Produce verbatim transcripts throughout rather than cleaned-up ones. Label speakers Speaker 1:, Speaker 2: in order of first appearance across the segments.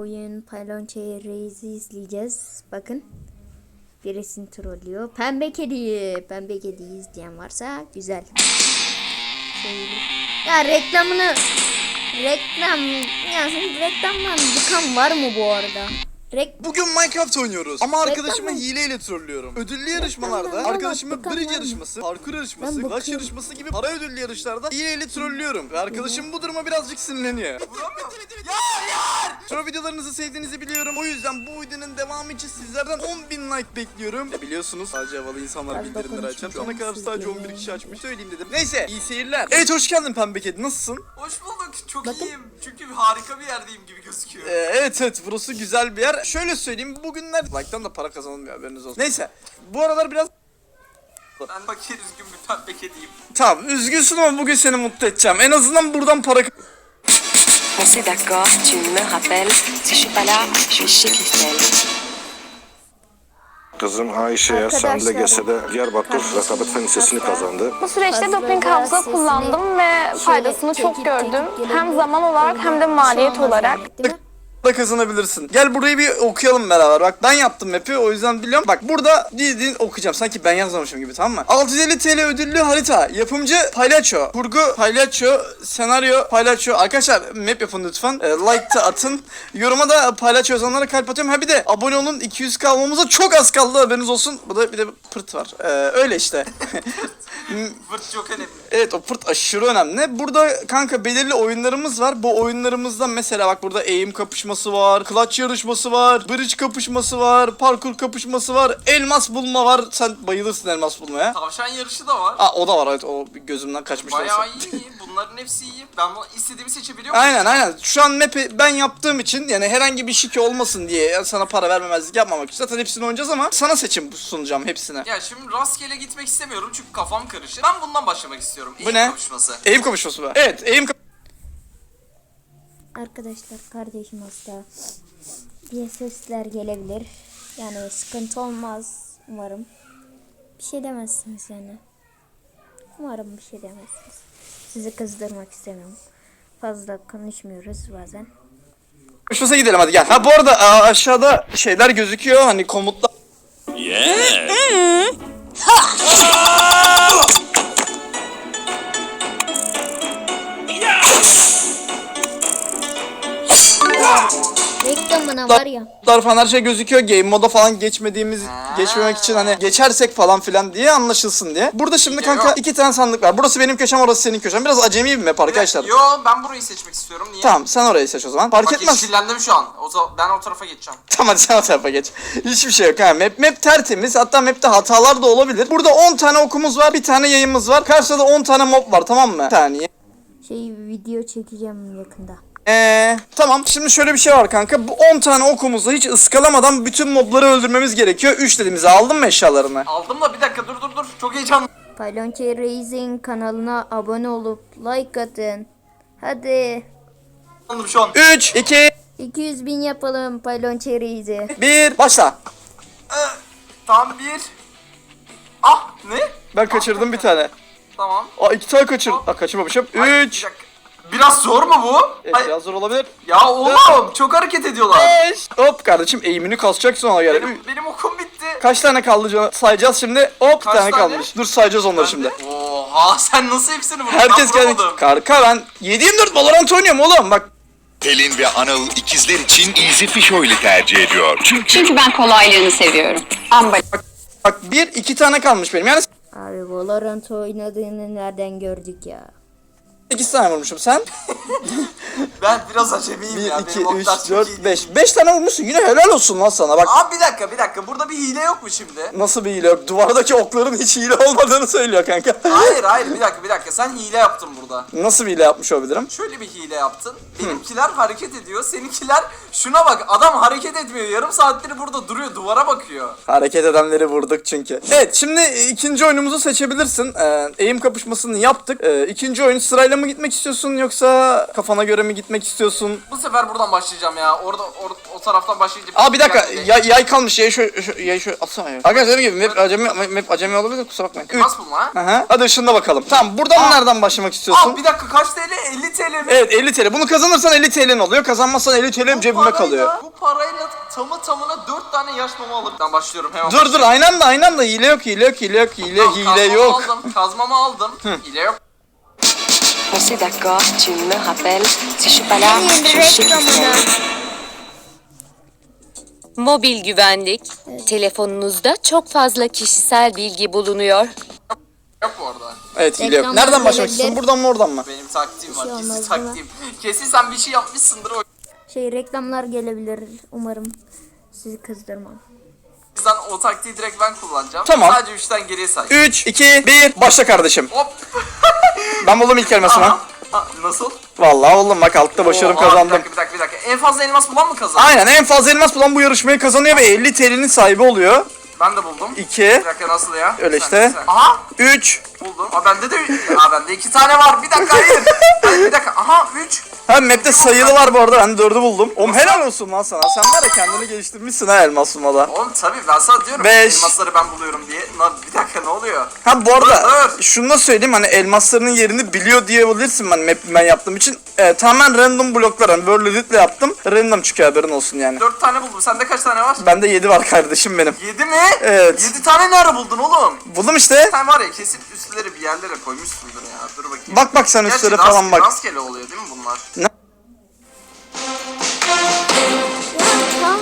Speaker 1: oyun Paylonçe Reis'i izleyeceğiz. Bakın. Birisini trollüyor. Pembe kediyi. Pembe kediyi izleyen varsa güzel. Şöyle. Ya reklamını reklam yazın reklamdan bıkan var mı bu arada? Rek
Speaker 2: Bugün Minecraft oynuyoruz ama arkadaşımı
Speaker 1: Reklam mı?
Speaker 2: hileyle trollüyorum. Ödüllü yarışmalarda
Speaker 1: Reklamdan
Speaker 2: arkadaşımı
Speaker 1: bıkan var
Speaker 2: bridge
Speaker 1: mı?
Speaker 2: yarışması, parkur yarışması,
Speaker 1: Ben
Speaker 2: flash
Speaker 1: bakıyorum.
Speaker 2: yarışması gibi para ödüllü yarışlarda hileyle trollüyorum. Ve arkadaşım bu duruma birazcık sinirleniyor. Ya hayır! Troll videolarınızı sevdiğinizi biliyorum. O yüzden bu videonun devamı için sizlerden on bin like bekliyorum. Ya biliyorsunuz sadece havalı insanlar
Speaker 1: Fazla
Speaker 2: bildirimleri açar. Şu ana kadar
Speaker 1: konuşmayacağım,
Speaker 2: sadece on bir
Speaker 1: sizlere.
Speaker 2: kişi açmış. Söyleyeyim dedim. Neyse iyi seyirler. Evet hoş geldin Pembe Kedi, nasılsın?
Speaker 3: Hoş bulduk. Çok
Speaker 1: Bakın.
Speaker 3: iyiyim. Çünkü harika bir yerdeyim gibi gözüküyor.
Speaker 2: Ee, evet evet burası güzel bir yer. Şöyle söyleyeyim, bugünler like'tan da para kazanılmıyor, haberiniz olsun. Neyse bu aralar biraz
Speaker 3: Ben fakir üzgün bir pembe kediyim.
Speaker 2: tamam üzgünsün ama bugün seni mutlu edeceğim. En azından buradan para
Speaker 4: On s'est d'accord, tu me rappelles. Si je suis pas là, je suis chez Christelle.
Speaker 5: Kızım Ayşe'ye San
Speaker 1: Arkadaşlar,
Speaker 5: Legese'de Diyarbakır rekabet fen lisesini
Speaker 1: hasta-
Speaker 5: kazandı.
Speaker 6: Bu süreçte
Speaker 1: Fazla
Speaker 6: doping
Speaker 1: da
Speaker 6: hafıza
Speaker 1: sesini
Speaker 6: kullandım ve
Speaker 1: şöyle
Speaker 6: faydasını çok
Speaker 1: çekip
Speaker 6: gördüm.
Speaker 1: çekip
Speaker 6: Hem
Speaker 1: gelebilir.
Speaker 6: zaman olarak hem de
Speaker 1: Bir şey
Speaker 6: maliyet
Speaker 1: olmaz
Speaker 6: olarak.
Speaker 1: yani, değil mi?
Speaker 2: da kazanabilirsin. Gel burayı bir okuyalım beraber. Bak ben yaptım map'i, o yüzden biliyorum. Bak burada dildiğin okuyacağım. Sanki ben yazmamışım gibi, tamam mı? altı yüz elli T L ödüllü harita. Yapımcı Palyaço. Kurgu Palyaço. Senaryo Palyaço. Arkadaşlar map yapın lütfen. E, like da atın. Yoruma da Palyaço yazanlara kalp atıyorum. Ha bir de abone olun. iki yüz K olmamıza çok az kaldı, haberiniz olsun. Bu da bir de pırt var. E, öyle işte.
Speaker 3: Fırt çok önemli.
Speaker 2: Evet o pırt aşırı önemli. Burada kanka belirli oyunlarımız var. Bu oyunlarımızda mesela bak burada eğim kapışması var, clutch yarışması var, bridge kapışması var, parkur kapışması var, elmas bulma var. Sen bayılırsın elmas bulmaya.
Speaker 3: Tavşan yarışı da var.
Speaker 2: Aa o da var, evet, o bir gözümden kaçmış.
Speaker 3: Bayağı
Speaker 2: neyse.
Speaker 3: iyi. Bunların hepsi iyi. Ben bunu istediğimi seçebiliyor muyum?
Speaker 2: Aynen aynen. Şu an map'i ben yaptığım için, yani herhangi bir şike olmasın diye, yani sana para vermemezlik yapmamak için zaten hepsini oynayacağız ama sana seçim sunacağım hepsine.
Speaker 3: Ya şimdi rastgele gitmek istemiyorum çünkü kafam karışır. Ben bundan başlamak istiyorum.
Speaker 2: Bu
Speaker 3: Eğim
Speaker 2: ne?
Speaker 3: kapışması.
Speaker 2: Eğim kapışması mı? Evet eğim kapışması.
Speaker 1: Arkadaşlar kardeşim hasta diye sesler gelebilir. Yani sıkıntı olmaz umarım. Bir şey demezsiniz yani. Umarım bir şey demezsiniz. Sizi kızdırmak istemiyorum. Fazla konuşmuyoruz bazen.
Speaker 2: Kapışmasına gidelim hadi gel. Ha bu arada aa, aşağıda şeyler gözüküyor, hani komutlar.
Speaker 1: Reklamına var ya.
Speaker 2: Komutlar falan her şey gözüküyor. Game moda falan geçmediğimiz, geçmemek için hani geçersek falan filan diye anlaşılsın diye. Burada şimdi kanka
Speaker 3: Yok.
Speaker 2: iki tane sandık var. Burası benim köşem, orası senin köşen. Biraz acemi bir map arkadaşlar.
Speaker 3: Yo ben burayı seçmek istiyorum. Niye?
Speaker 2: Tamam sen orayı seç o zaman. Fark
Speaker 3: Bak
Speaker 2: etmez.
Speaker 3: yeşillendim şu an. O zaman ben o tarafa geçeceğim.
Speaker 2: Tamam hadi sen o tarafa geç. Hiçbir şey yok ha. Map, map tertemiz. Hatta map'te hatalar da olabilir. Burada on tane okumuz var. Bir tane yayımız var. Karşıda da on tane mob var, tamam mı? Bir saniye.
Speaker 1: Şey video çekeceğim yakında.
Speaker 2: Eee tamam, şimdi şöyle bir şey var kanka. Bu on tane okumuzla hiç ıskalamadan bütün mobları öldürmemiz gerekiyor. üç dediğimizi aldın mı eşyalarını?
Speaker 3: Aldım da bir dakika dur dur dur. Çok heyecanlı.
Speaker 1: Paylonçe Reis'in kanalına abone olup like atın. Hadi.
Speaker 3: şu an.
Speaker 2: üç, iki,
Speaker 1: iki yüz bin yapalım Paylonçe Reis'i.
Speaker 2: bir, başla.
Speaker 3: Ee, tam bir. Ah ne?
Speaker 2: Ben kaçırdım bir tane.
Speaker 3: Tamam.
Speaker 2: Aa iki tane kaçır. Aa kaçırmamışım.
Speaker 3: Ay, bir
Speaker 2: üç.
Speaker 3: dakika. Biraz zor mu bu?
Speaker 2: Evet,
Speaker 3: Ay,
Speaker 2: biraz zor olabilir.
Speaker 3: ya oğlum çok hareket ediyorlar.
Speaker 2: beş. Hop kardeşim, eğimini kasacaksın ona göre.
Speaker 3: Benim, benim okum bitti.
Speaker 2: Kaç tane kaldı canım? Sayacağız şimdi. Hop bir
Speaker 3: Kaç
Speaker 2: tane
Speaker 3: tane?
Speaker 2: kalmış. Dur sayacağız onları
Speaker 3: Ben
Speaker 2: şimdi.
Speaker 3: de- Oha sen nasıl hepsini vurdun?
Speaker 2: Herkes
Speaker 3: Ben
Speaker 2: geldi.
Speaker 3: vuramadım.
Speaker 2: Kanka ben yedi yirmi dört Valorant oynuyorum oğlum bak.
Speaker 7: Pelin ve Anıl ikizler için Easy Fish Oil'i tercih ediyor. Çünkü
Speaker 4: Çünkü ben kolaylığını seviyorum. Amba.
Speaker 2: Bak bir iki tane kalmış benim. Yani
Speaker 1: Abi Valorant oynadığını nereden gördük ya?
Speaker 2: sekiz tane vurmuşum sen.
Speaker 3: Ben biraz acemiyim
Speaker 2: bir,
Speaker 3: ya.
Speaker 2: iki,
Speaker 3: Benim oklar
Speaker 2: üç,
Speaker 3: çok
Speaker 2: dört,
Speaker 3: iyi
Speaker 2: beş.
Speaker 3: değil.
Speaker 2: beş tane vurmuşsun. Yine helal olsun lan sana bak.
Speaker 3: Abi bir dakika bir dakika. Burada bir hile yok mu şimdi?
Speaker 2: Nasıl bir hile yok? Duvardaki okların hiç hile olmadığını söylüyor kanka.
Speaker 3: Hayır hayır bir dakika bir dakika. Sen hile yaptın burada.
Speaker 2: Nasıl bir hile yapmış olabilirim?
Speaker 3: Şöyle bir hile yaptın. Benimkiler hareket ediyor. Seninkiler şuna bak. Adam hareket etmiyor. Yarım saattir burada duruyor. Duvara bakıyor.
Speaker 2: Hareket edenleri vurduk çünkü. Evet şimdi ikinci oyunumuzu seçebilirsin. Ee, eğim kapışmasını yaptık. Ee, ikinci oyun sırayla mı gitmek istiyorsun yoksa kafana göre göre mi gitmek istiyorsun?
Speaker 3: Bu sefer buradan başlayacağım ya. Orada or, o taraftan başlayınca...
Speaker 2: Aa bir dakika
Speaker 3: Yani-
Speaker 2: yay, yay kalmış yayı şöyle şu- yayı şöyle atsana ya. Arkadaşlar dediğim gibi map acemi, map acemi olabilir de kusura bakmayın. Üç.
Speaker 3: Nasıl bulma ha?
Speaker 2: Aha. Hadi ışığında bakalım. Tamam buradan
Speaker 3: Aa.
Speaker 2: nereden başlamak istiyorsun?
Speaker 3: Aa bir dakika kaç T L? elli T L mi?
Speaker 2: Evet elli T L. Bunu kazanırsan elli T L'nin oluyor. Kazanmazsan elli T L'm
Speaker 3: Bu
Speaker 2: cebime
Speaker 3: parayla-
Speaker 2: kalıyor.
Speaker 3: Bu parayla tamı tamına dört tane yaş mama alırım. Ben başlıyorum hemen.
Speaker 2: Dur dur aynı anda aynı anda hile yok hile yok hile yok hile
Speaker 3: Tamam,
Speaker 2: hile
Speaker 3: kazmamı
Speaker 2: yok.
Speaker 3: Aldım, kazmamı aldım. Hile yok.
Speaker 4: On s'est d'accord, tu me rappelles. Si je suis pas là,
Speaker 1: Yeni
Speaker 4: je sais qui
Speaker 1: reklamına.
Speaker 4: c'est. Mobil güvenlik. Telefonunuzda çok fazla kişisel bilgi bulunuyor.
Speaker 3: Yok bu arada.
Speaker 2: Evet hile yok.
Speaker 1: Reklamlar
Speaker 2: Nereden başlamak
Speaker 1: gelebilir.
Speaker 2: istiyorsun? Buradan mı oradan mı?
Speaker 3: Benim taktiğim var.
Speaker 1: şey
Speaker 3: Kesin
Speaker 1: olmaz, değil mi?
Speaker 3: taktiğim. Kesin sen bir şey yapmışsındır o
Speaker 1: Şey reklamlar gelebilir. Umarım sizi kızdırmam.
Speaker 3: yüzden o taktiği direkt ben kullanacağım.
Speaker 2: Tamam.
Speaker 3: Sadece üçten geriye say.
Speaker 2: üç, iki, bir başla kardeşim.
Speaker 3: Hop.
Speaker 2: Ben buldum ilk elmasımı.
Speaker 3: Aha. Ha, nasıl?
Speaker 2: Vallahi oğlum bak altta başarım
Speaker 3: Oha,
Speaker 2: kazandım.
Speaker 3: Bir dakika bir dakika bir dakika. En fazla elmas bulan mı kazandı?
Speaker 2: Aynen en fazla elmas bulan bu yarışmayı kazanıyor ve elli T L'nin sahibi oluyor.
Speaker 3: Ben de buldum.
Speaker 2: iki,
Speaker 3: Bir dakika nasıl ya?
Speaker 2: Öyle
Speaker 3: Bir
Speaker 2: işte.
Speaker 3: saniye, bir saniye. Aha
Speaker 2: üç.
Speaker 3: buldum. Aa bende de Aa bende iki tane var. Bir dakika hayır. Hayır bir dakika. Aha üç.
Speaker 2: Ha map'te sayılı var bu arada ben dördü buldum. Oğlum helal olsun lan sana. Sen var ya kendini geliştirmişsin ha elmas bulmada.
Speaker 3: Oğlum tabii ben sana diyorum.
Speaker 2: Beş.
Speaker 3: Elmasları ben buluyorum diye. Lan bir dakika ne oluyor?
Speaker 2: Ha bu arada
Speaker 3: Dur, dur.
Speaker 2: şunu da söyleyeyim hani elmaslarının yerini biliyor diyebilirsin ben map ben yaptığım için. E, tamamen random bloklar hani böyle editle yaptım. Random çıkıyor haberin olsun yani.
Speaker 3: Dört tane buldum. Sende kaç tane var?
Speaker 2: Bende yedi var kardeşim benim.
Speaker 3: Yedi mi?
Speaker 2: Evet.
Speaker 3: Yedi tane ne ara buldun oğlum?
Speaker 2: Buldum işte.
Speaker 3: Sen var ya kesin üstleri bir yerlere koymuşsundur ya. Dur bakayım.
Speaker 2: Bak bak sen
Speaker 3: Gerçi
Speaker 2: üstlere
Speaker 3: rast-
Speaker 2: falan bak.
Speaker 3: Rastgele oluyor değil mi bunlar?
Speaker 1: Ya tamam.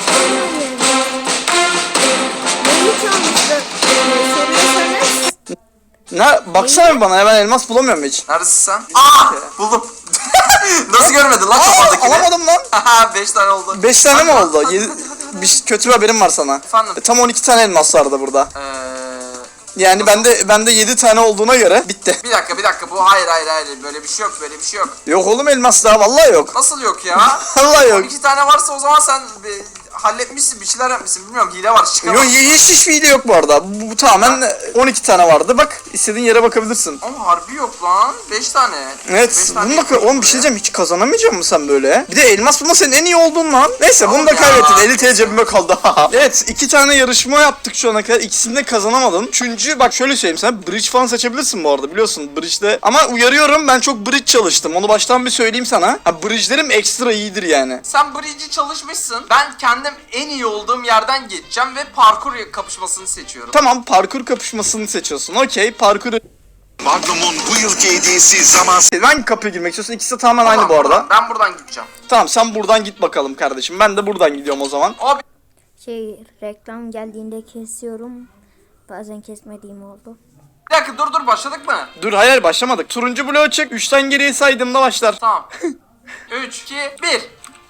Speaker 1: Neyi çalmıştı? Soruyorsanız
Speaker 2: Ne baksana bir bana ya ben elmas bulamıyorum hiç.
Speaker 3: Neredesin sen? Aa buldum. Nasıl görmedin lan kafandakini?
Speaker 2: Alamadım lan.
Speaker 3: Haha beş tane oldu.
Speaker 2: beş tane mi
Speaker 3: Hadi,
Speaker 2: oldu?
Speaker 3: hadi,
Speaker 2: Yedi-
Speaker 3: hadi, hadi, hadi.
Speaker 2: Bir şey- kötü bir haberim var sana.
Speaker 3: Efendim?
Speaker 2: E, Tam on iki tane elmas vardı burada.
Speaker 3: Eee...
Speaker 2: Yani bende bende yedi tane olduğuna göre bitti.
Speaker 3: Bir dakika bir dakika bu hayır hayır hayır böyle bir şey yok böyle bir şey yok.
Speaker 2: Yok oğlum elmas daha vallahi yok.
Speaker 3: Nasıl yok ya?
Speaker 2: Vallahi yok.
Speaker 3: on iki tane varsa o zaman sen bir, halletmişsin bir şeyler yapmışsın bilmiyorum hile var çıkamam.
Speaker 2: Yok hiç hiç hile yok bu arada. Bu, bu tamamen on iki tane vardı. Bak istediğin yere bakabilirsin.
Speaker 3: Ama harbi yok lan beş tane.
Speaker 2: Evet.
Speaker 3: Beş tane
Speaker 2: Bunu da
Speaker 3: yapıyorsun
Speaker 2: oğlum bir şey
Speaker 3: buraya.
Speaker 2: diyeceğim. Hiç kazanamayacak mısın sen böyle? Bir de elmas bulma senin en iyi olduğun lan. Neyse bunu da
Speaker 3: Oğlum ya.
Speaker 2: kaybettin. elli T L cebime kaldı. Evet iki tane yarışma yaptık şu ana kadar. İkisini de kazanamadım. Üçüncü bak şöyle söyleyeyim sen. Bridge falan seçebilirsin bu arada biliyorsun. Bridge'de. Ama uyarıyorum ben çok bridge çalıştım. Onu baştan bir söyleyeyim sana. Ha bridge'lerim ekstra iyidir yani.
Speaker 3: Sen bridge'i çalışmışsın. Ben kendim en iyi olduğum yerden geçeceğim ve parkur kapışmasını seçiyorum.
Speaker 2: Tamam parkur kapışmasını seçiyorsun. Okey parkuru.
Speaker 7: Magnum'un bu yılki hediyesi zaman
Speaker 2: Hangi kapıya girmek istiyorsun? İkisi de tamamen aynı
Speaker 3: Tamam,
Speaker 2: bu arada.
Speaker 3: buradan- Ben buradan gideceğim.
Speaker 2: Tamam sen buradan git bakalım kardeşim. Ben de buradan gidiyorum o zaman.
Speaker 3: Abi
Speaker 1: şey reklam geldiğinde kesiyorum. Bazen kesmediğim oldu.
Speaker 3: bir dakika dur dur başladık mı?
Speaker 2: Dur hayır başlamadık. Turuncu bloğu çek. üçten geriye saydığımda başlar.
Speaker 3: Tamam. üç, iki, bir.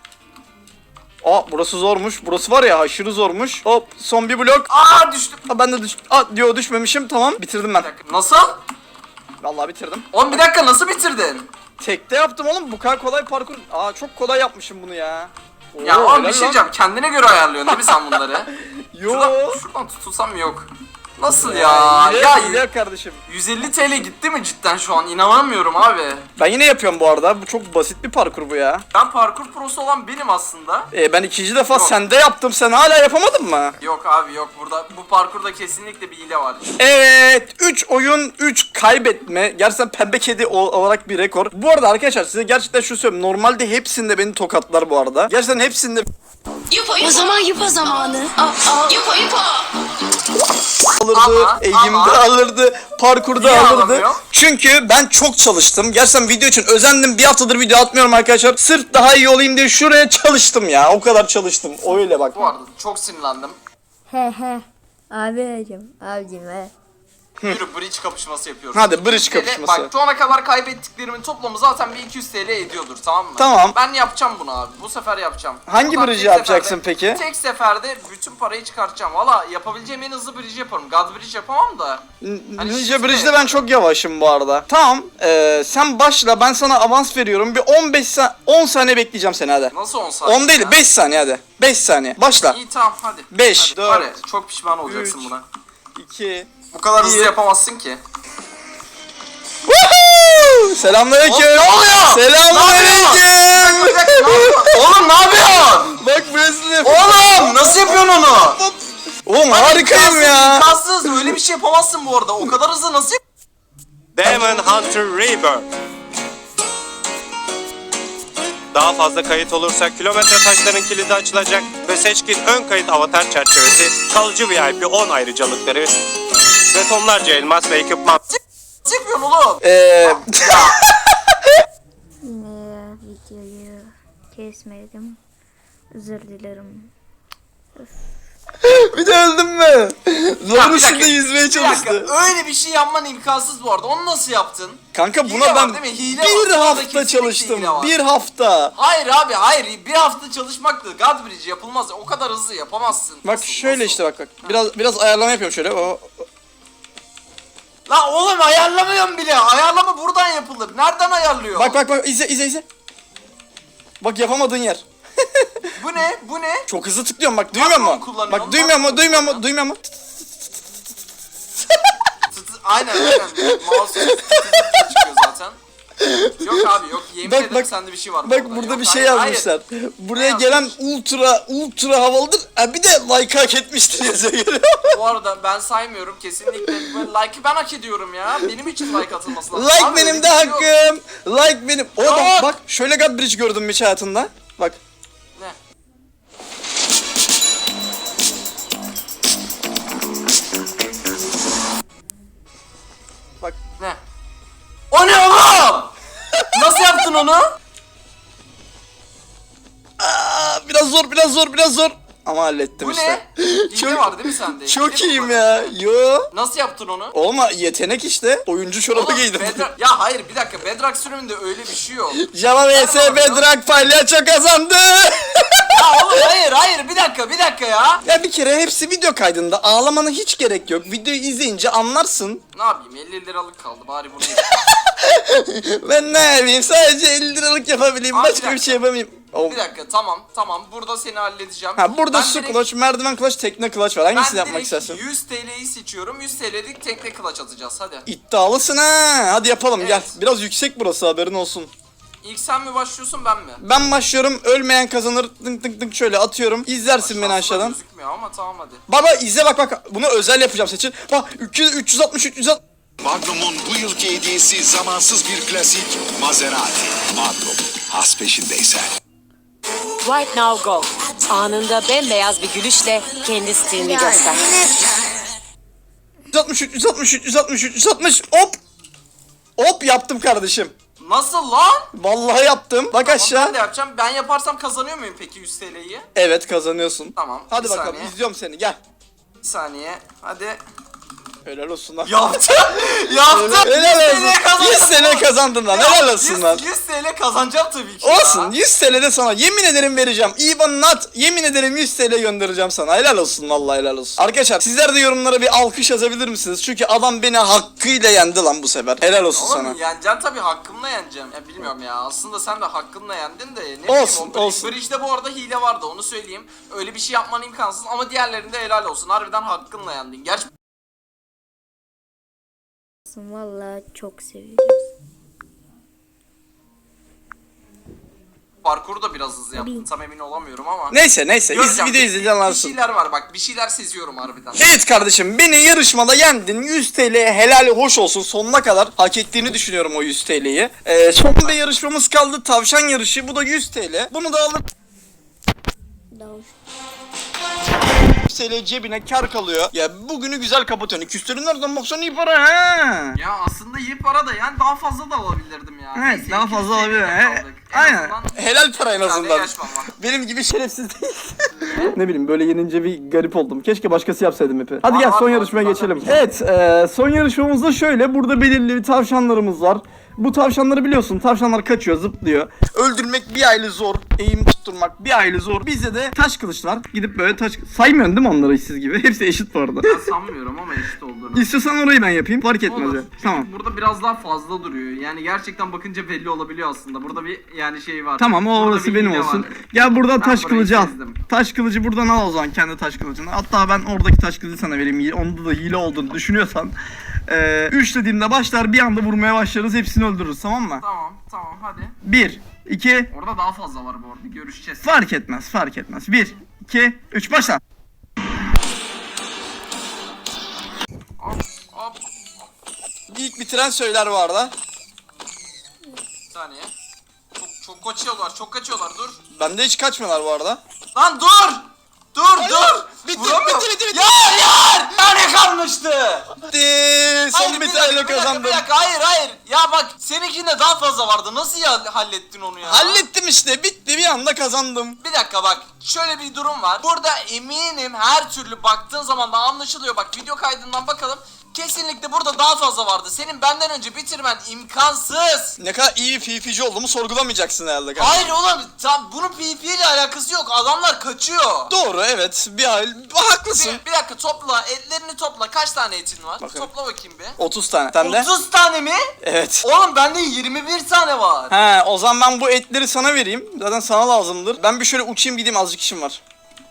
Speaker 2: Aa burası zormuş. Burası var ya aşırı zormuş. Hop son bir blok.
Speaker 3: Aa düştüm.
Speaker 2: Aa, ben de düş... Aa diyor düşmemişim. Tamam bitirdim ben.
Speaker 3: Bir dakika. Nasıl?
Speaker 2: Vallahi bitirdim.
Speaker 3: Oğlum bir dakika nasıl bitirdin?
Speaker 2: Tekte yaptım oğlum. Bu kadar kolay parkur. Aa çok kolay yapmışım bunu ya. Oo,
Speaker 3: Ya oğlum bir
Speaker 2: helal
Speaker 3: şey
Speaker 2: lan.
Speaker 3: diyeceğim. Kendine göre ayarlıyorsun değil mi sen bunları?
Speaker 2: Yo.
Speaker 3: Şuradan, şuradan tutulsam yok. Nasıl ya?
Speaker 2: Ya,
Speaker 3: Ya,
Speaker 2: hile, hile kardeşim.
Speaker 3: yüz elli T L gitti mi cidden şu an? İnanamıyorum abi.
Speaker 2: Ben yine yapıyorum bu arada. Bu çok basit bir parkur bu ya.
Speaker 3: Ben parkur prosu olan benim aslında.
Speaker 2: Ee, ben ikinci defa
Speaker 3: Yok.
Speaker 2: sende yaptım. Sen hala yapamadın mı?
Speaker 3: Yok abi yok burada. Bu parkurda kesinlikle bir hile var.
Speaker 2: Evet üç oyun üç kaybetme. Gerçekten pembe kedi o- olarak bir rekor. Bu arada arkadaşlar size gerçekten şu söyleyeyim. Normalde hepsinde beni tokatlar bu arada. Gerçekten hepsinde
Speaker 6: O zaman yupa zamanı. Yupa yupa.
Speaker 2: alırdı,
Speaker 3: Ama,
Speaker 2: eğimde
Speaker 3: ama.
Speaker 2: alırdı, parkurda
Speaker 3: Niye
Speaker 2: alırdı.
Speaker 3: alamıyor?
Speaker 2: Çünkü ben çok çalıştım. Gerçekten video için özendim. Bir haftadır video atmıyorum arkadaşlar. Sırf daha iyi olayım diye şuraya çalıştım ya. O kadar çalıştım. Öyle bak.
Speaker 3: Bu arada çok sinirlendim.
Speaker 1: He he. Abicim, abicim he.
Speaker 3: Yürü bridge kapışması yapıyoruz.
Speaker 2: Hadi bridge
Speaker 3: iki yüz T L
Speaker 2: kapışması.
Speaker 3: Bak şu ana kadar kaybettiklerimin toplamı zaten bir iki yüz T L ediyordur tamam mı?
Speaker 2: Tamam.
Speaker 3: Ben yapacağım bunu abi. Bu sefer yapacağım.
Speaker 2: Hangi
Speaker 3: Buradan
Speaker 2: bridge'i
Speaker 3: tek
Speaker 2: yapacaksın
Speaker 3: seferde-
Speaker 2: peki?
Speaker 3: Tek seferde bütün parayı çıkartacağım. Valla yapabileceğim en hızlı bridge yaparım. God bridge yapamam da. Hani
Speaker 2: Ninja
Speaker 3: shift'le
Speaker 2: Bridge'de ben çok yavaşım bu arada. Tamam. Ee, sen başla. Ben sana avans veriyorum. Bir on beş sa- on saniye bekleyeceğim seni hadi.
Speaker 3: Nasıl on saniye?
Speaker 2: on değil
Speaker 3: ya?
Speaker 2: beş saniye hadi. beş saniye. Başla.
Speaker 3: İyi tamam hadi.
Speaker 2: Beş,
Speaker 3: Hadi,
Speaker 2: dört,
Speaker 3: var ya, çok pişman olacaksın
Speaker 2: üç.
Speaker 3: buna.
Speaker 2: iki
Speaker 3: Bu kadar hızlı
Speaker 2: Bir.
Speaker 3: yapamazsın ki.
Speaker 2: Woohoo! Selamünaleyküm.
Speaker 3: Oğlum, ne oluyor?
Speaker 2: Selamünaleyküm.
Speaker 3: Bir dakika, ne yapıyorsun? Oğlum ne yapıyorsun?
Speaker 2: Bak Wesley.
Speaker 3: Oğlum nasıl yapıyorsun onu?
Speaker 2: Oğlum harikayım ya.
Speaker 3: İmkansız, öyle bir şey yapamazsın bu arada. O kadar hızlı nasıl yap-
Speaker 8: Demon Hunter Rebirth. Daha fazla kayıt olursa kilometre taşların kilidi açılacak ve seçkin ön kayıt avatar çerçevesi, kalıcı V I P on ayrıcalıkları ve tonlarca elmas ve ekipman.
Speaker 3: Nasıl yapıyorsun oğlum?
Speaker 2: Eee
Speaker 1: Yine videoyu kesmedim. Özür dilerim.
Speaker 2: bir de öldüm mü? Zor
Speaker 3: Ya, bir
Speaker 2: üstünde
Speaker 3: dakika,
Speaker 2: yüzmeye
Speaker 3: Bir dakika,
Speaker 2: çalıştı.
Speaker 3: öyle bir şey yapman imkansız bu arada. Onu nasıl yaptın?
Speaker 2: Kanka
Speaker 3: Hile
Speaker 2: buna
Speaker 3: var
Speaker 2: ben
Speaker 3: değil mi? Hile
Speaker 2: bir
Speaker 3: var. Burada
Speaker 2: hafta
Speaker 3: kesinlikle
Speaker 2: çalıştım.
Speaker 3: hile var.
Speaker 2: Bir hafta.
Speaker 3: Hayır abi hayır. Bir hafta çalışmaktı. God Bridge yapılmaz. O kadar hızlı yapamazsın.
Speaker 2: Bak
Speaker 3: Nasıl,
Speaker 2: şöyle
Speaker 3: nasıl?
Speaker 2: işte bak bak. Biraz biraz ayarlama yapıyorum şöyle. O
Speaker 3: La oğlum ayarlamıyorum bile. Ayarlama buradan yapılır. Nereden ayarlıyor?
Speaker 2: bak bak bak izle izle izle. Bak yapamadığın yer.
Speaker 3: Bu ne? Bu ne?
Speaker 2: Çok hızlı tıklıyorum bak duymuyor
Speaker 3: Nasıl
Speaker 2: musun?
Speaker 3: kullanıyorsun?
Speaker 2: Bak duymuyor
Speaker 3: Nasıl
Speaker 2: mu? Duymuyor mu? Duymuyor mu?
Speaker 3: Tı tı- aynen aynen. Mouse tı tı tı tı çıkıyor zaten. Yok abi yok. Yemin
Speaker 2: Bak,
Speaker 3: ederim
Speaker 2: bak.
Speaker 3: sende bir şey var.
Speaker 2: Bak burada
Speaker 3: Yok,
Speaker 2: bir şey
Speaker 3: hayır, hayır.
Speaker 2: yazmışlar. Buraya
Speaker 3: Ne
Speaker 2: gelen
Speaker 3: yazmış?
Speaker 2: ultra ultra havalıdır. Ha bir de like hak etmiştir yazıyor.
Speaker 3: Bu arada ben saymıyorum kesinlikle. Böyle like'ı ben hak ediyorum ya. Benim için like atılması lazım.
Speaker 2: Like
Speaker 3: Abi, öyle
Speaker 2: benim
Speaker 3: bir
Speaker 2: de
Speaker 3: şey yok.
Speaker 2: hakkım. Like benim. O
Speaker 3: Yok.
Speaker 2: bak, bak şöyle God Bridge gördüm mü hiç hayatında? Bak.
Speaker 3: Ne?
Speaker 2: Bak.
Speaker 3: Ne? O ne oğlum? Nasıl yaptın onu?
Speaker 2: Aa, biraz zor biraz zor biraz zor. Ama hallettim
Speaker 3: Bu
Speaker 2: işte.
Speaker 3: ne? Hile
Speaker 2: Çok-
Speaker 3: var değil mi sende?
Speaker 2: Çok
Speaker 3: Hile mi
Speaker 2: iyiyim
Speaker 3: var?
Speaker 2: ya. Yo.
Speaker 3: Nasıl yaptın onu?
Speaker 2: Olma yetenek işte. Oyuncu çorabı
Speaker 3: Oğlum,
Speaker 2: giydim.
Speaker 3: Bedrock- Ya hayır bir dakika Bedrock sürümünde öyle bir şey yok.
Speaker 2: Java vs Bedrock palyaço kazandı.
Speaker 3: Ya oğlum hayır hayır bir dakika bir dakika ya.
Speaker 2: Ya bir kere hepsi video kaydında. Ağlamana hiç gerek yok. Videoyu izleyince anlarsın.
Speaker 3: Ne yapayım elli liralık kaldı bari bunu
Speaker 2: Ben ne yapayım? Sadece elli liralık yapabileyim.
Speaker 3: Abi, bir
Speaker 2: Başka bir
Speaker 3: dakika.
Speaker 2: şey yapamayayım. Oh.
Speaker 3: Bir dakika tamam tamam burada seni halledeceğim.
Speaker 2: Ha burada
Speaker 3: Ben
Speaker 2: su
Speaker 3: direkt-
Speaker 2: clutch, merdiven clutch, tekne clutch var. Hangisini
Speaker 3: Ben
Speaker 2: yapmak
Speaker 3: direkt
Speaker 2: istersin?
Speaker 3: yüz T L'yi seçiyorum. yüz T L'lik tekne clutch atacağız hadi.
Speaker 2: İddialısın ha. Hadi yapalım gel.
Speaker 3: Evet.
Speaker 2: Biraz yüksek burası haberin olsun.
Speaker 3: İlk sen mi başlıyorsun ben mi?
Speaker 2: Ben başlıyorum. Ölmeyen kazanır. Tık tık tık şöyle atıyorum. İzlersin beni
Speaker 3: Aşağıda
Speaker 2: aşağıdan.
Speaker 3: Gözükmüyor ama tamam hadi.
Speaker 2: Baba izle bak bak. Bunu özel yapacağım seçin. Bak üç yüz, üç yüz altmış üç yüz altmış.
Speaker 7: Magnum'un bu yılki hediyesi zamansız bir klasik Maserati. Magnum, has peşindeysen.
Speaker 4: Right now go. Anında bembeyaz bir gülüşle kendi stilini göster.
Speaker 2: üç yüz altmış üç yüz altmış üç yüz altmış üç yüz altmış. Hop. Hop yaptım kardeşim.
Speaker 3: Nasıl lan?
Speaker 2: Vallahi yaptım. Bak
Speaker 3: Tamam,
Speaker 2: aşağı.
Speaker 3: ben de yapacağım. Ben yaparsam kazanıyor muyum peki yüz T L'yi?
Speaker 2: Evet kazanıyorsun.
Speaker 3: Tamam,
Speaker 2: Hadi
Speaker 3: bir
Speaker 2: bakalım
Speaker 3: saniye.
Speaker 2: izliyorum seni gel.
Speaker 3: Bir saniye. Hadi.
Speaker 2: Helal olsun lan.
Speaker 3: Yaptım. Yaptım.
Speaker 2: Helal olsun.
Speaker 3: yüz T L kazandım.
Speaker 2: yüz T L kazandın lan. Helal olsun lan.
Speaker 3: yüz T L kazanacağım tabii ki.
Speaker 2: Olsun
Speaker 3: ya.
Speaker 2: yüz T L de sana yemin ederim vereceğim. İvan Nat yemin ederim yüz T L göndereceğim sana. Helal olsun vallahi helal olsun. Arkadaşlar sizler de yorumlara bir alkış yazabilir misiniz? Çünkü adam beni hakkıyla yendi lan bu sefer. Helal olsun
Speaker 3: Oğlum
Speaker 2: sana.
Speaker 3: yeneceksin tabii hakkımla yeneceğim. Ya bilmiyorum ya aslında sen de hakkınla yendin de ne
Speaker 2: Olsun,
Speaker 3: bileyim o
Speaker 2: olsun.
Speaker 3: Bridge'de bu arada hile vardı onu söyleyeyim. Öyle bir şey yapman imkansız ama diğerlerinde helal olsun. Harbiden hakkınla yendin. Gerçi
Speaker 1: Vallahi çok seviyorum.
Speaker 3: parkuru da biraz hızlı yaptın tam emin olamıyorum ama.
Speaker 2: Neyse neyse iz,
Speaker 3: Göreceğim.
Speaker 2: video izleyince
Speaker 3: Bir
Speaker 2: anlarsın.
Speaker 3: şeyler var bak bir şeyler seziyorum harbiden.
Speaker 2: Evet kardeşim beni yarışmada yendin. yüz T L helali hoş olsun sonuna kadar hak ettiğini düşünüyorum o yüz T L'yi. Ee, son bir yarışmamız kaldı tavşan yarışı bu da yüz T L. Bunu da alıp
Speaker 1: Daha hoş.
Speaker 2: yüz T L cebine kar kalıyor. Ya bugünü güzel kapatıyorsun. Küstürün nereden baksan iyi para ha.
Speaker 3: Ya aslında iyi para da yani daha fazla da alabilirdim ya.
Speaker 2: Evet
Speaker 3: Neyse,
Speaker 2: daha
Speaker 3: iki yüz
Speaker 2: fazla
Speaker 3: T L'de
Speaker 2: olabilir. He.
Speaker 3: kaldık. En
Speaker 2: Aynen.
Speaker 3: azından
Speaker 2: Helal para en
Speaker 3: bir tane
Speaker 2: azından.
Speaker 3: yaşmam var.
Speaker 2: Benim gibi şerefsiz değil. Ne bileyim böyle yenince bir garip oldum. Keşke başkası yapsaydım hepi. Hadi
Speaker 3: Var,
Speaker 2: gel
Speaker 3: var,
Speaker 2: son
Speaker 3: var.
Speaker 2: yarışmaya
Speaker 3: Zaten
Speaker 2: geçelim.
Speaker 3: bir şey.
Speaker 2: Evet e, son yarışmamızda şöyle. Burada belirli bir tavşanlarımız var. Bu tavşanları biliyorsun. Tavşanlar kaçıyor, zıplıyor. Öldürmek bir aile zor. Eğim tutturmak bir aile zor. Bizde de taş kılıç var. Gidip böyle taş... Saymıyorsun değil mi onları işsiz gibi? Hepsi eşit bu arada.
Speaker 3: Ben sanmıyorum ama eşit olduğunu.
Speaker 2: İstiyorsan orayı ben yapayım. Fark etmez.
Speaker 3: Olur.
Speaker 2: ya.
Speaker 3: Çünkü
Speaker 2: Tamam.
Speaker 3: burada biraz daha fazla duruyor. Yani gerçekten bakınca belli olabiliyor aslında. Burada bir yani şey var.
Speaker 2: Tamam o
Speaker 3: Burada
Speaker 2: orası
Speaker 3: bir
Speaker 2: benim
Speaker 3: hile
Speaker 2: olsun.
Speaker 3: var.
Speaker 2: Gel buradan
Speaker 3: Ben
Speaker 2: taş
Speaker 3: burayı
Speaker 2: kılıcı al.
Speaker 3: çizdim.
Speaker 2: Taş kılıcı buradan al o zaman kendi taş kılıcını. Hatta ben oradaki taş kılıcı sana vereyim. Onda da hile olduğunu düşünüyorsan. Ee, üç dediğimde başlar bir anda vurmaya başlarız. Hepsini öldürürüz, tamam mı?
Speaker 3: Tamam tamam hadi.
Speaker 2: bir, iki,
Speaker 3: Orada daha fazla var bu arada görüşeceğiz.
Speaker 2: fark etmez fark etmez. bir, iki, üç başla.
Speaker 3: Hop hop.
Speaker 2: İlk bitiren söyler bu arada.
Speaker 3: Bir saniye. Çok, çok kaçıyorlar çok kaçıyorlar dur.
Speaker 2: Bende hiç kaçmıyorlar bu arada.
Speaker 3: Lan dur! Dur dur!
Speaker 2: Bitti,
Speaker 3: Vuramıyorum.
Speaker 2: bitti, bitti, bitti.
Speaker 3: Ya hayır! Yani kalmıştı!
Speaker 2: Bitti. Son
Speaker 3: Hayır,
Speaker 2: bir
Speaker 3: dakika,
Speaker 2: tane
Speaker 3: bir dakika,
Speaker 2: kazandım.
Speaker 3: Bir dakika hayır hayır. Ya bak seninkinde daha fazla vardı. Nasıl ya hallettin onu ya?
Speaker 2: Hallettim işte, bitti, bir anda kazandım.
Speaker 3: Bir dakika bak. Şöyle bir durum var. Burada eminim her türlü baktığın zaman da anlaşılıyor. Bak video kaydından bakalım. Kesinlikle burada daha fazla vardı. Senin benden önce bitirmen imkansız.
Speaker 2: Ne kadar iyi bir P V P'ci olduğumu sorgulamayacaksın herhalde kardeşim.
Speaker 3: Hayır oğlum. Tam bunun P V P ile alakası yok. Adamlar kaçıyor.
Speaker 2: Doğru, evet, bir hal haklısın.
Speaker 3: Bir, bir dakika topla. Etlerini topla. Kaç tane etin var?
Speaker 2: Bakın.
Speaker 3: Topla bakayım bir.
Speaker 2: otuz tane. Sen de?
Speaker 3: otuz tane mi?
Speaker 2: Evet.
Speaker 3: Oğlum bende yirmi bir tane var.
Speaker 2: He, o zaman ben bu etleri sana vereyim. Zaten sana lazımdır. Ben bir şöyle uçayım gideyim, azıcık işim var.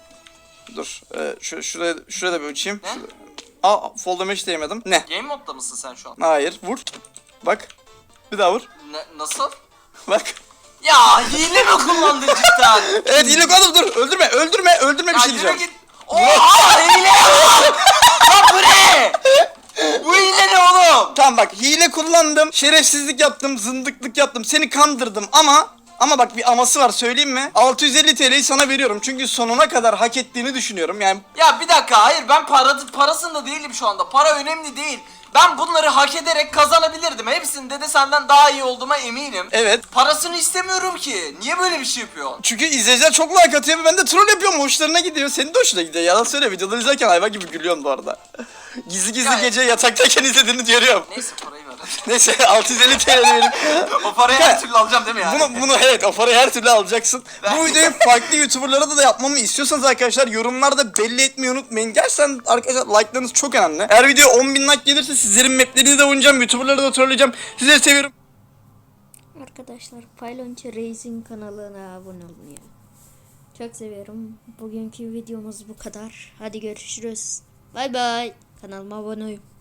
Speaker 2: Dur. E, şu, şuraya, şuraya da bir uçayım.
Speaker 3: Ne?
Speaker 2: Şurada. Aa, fall damage değmedim. Ne?
Speaker 3: Game modda mısın sen şu an?
Speaker 2: Hayır, vur. Bak. Bir daha vur.
Speaker 3: Ne, nasıl?
Speaker 2: Bak.
Speaker 3: Ya hile mi kullandın cidden?
Speaker 2: Evet, hile kullandım, dur. Öldürme, öldürme, öldürme, bir
Speaker 3: Ya
Speaker 2: şey
Speaker 3: yürü
Speaker 2: diyeceğim.
Speaker 3: git. Oha hile ya! Lan bu ne? Bu hile ne oğlum?
Speaker 2: Tamam bak, hile kullandım, şerefsizlik yaptım, zındıklık yaptım, seni kandırdım ama ama bak bir aması var, söyleyeyim mi? altı yüz elli T L'yi sana veriyorum çünkü sonuna kadar hak ettiğini düşünüyorum yani.
Speaker 3: Ya bir dakika hayır ben para, parasında değilim şu anda. Para önemli değil. Ben bunları hak ederek kazanabilirdim. Hepsinde de senden daha iyi olduğuma eminim.
Speaker 2: Evet.
Speaker 3: Parasını istemiyorum ki. Niye böyle bir şey yapıyorsun?
Speaker 2: Çünkü izleyiciler çok like atıyor ve ben de troll yapıyorum, hoşlarına gidiyor, senin de hoşuna gidiyor. Yalan söyle, videoları izlerken hayvan gibi gülüyorsun bu arada. Gizli gizli
Speaker 3: Ya-
Speaker 2: gece yataktayken izlediğini görüyorum.
Speaker 3: Neyse parayı ver.
Speaker 2: Neyse, altı yüz elli T L'yi verin.
Speaker 3: O parayı her türlü alacağım değil mi yani?
Speaker 2: Bunu, bunu evet, o parayı her türlü alacaksın. Bu videoyu farklı YouTuber'lara da, da yapmamı istiyorsanız arkadaşlar yorumlarda belli etmeyi unutmayın. Gerçekten arkadaşlar like'larınız çok önemli. Eğer video on bin like gelirse sizlerin maplerini de oynayacağım, YouTuber'ları da trolleyeceğim. Sizleri seviyorum.
Speaker 1: Arkadaşlar Paylonçu Reis'in kanalına abone olun ya. Çok seviyorum. Bugünkü videomuz bu kadar. Hadi görüşürüz. Bay bay. Kanalıma abone olun.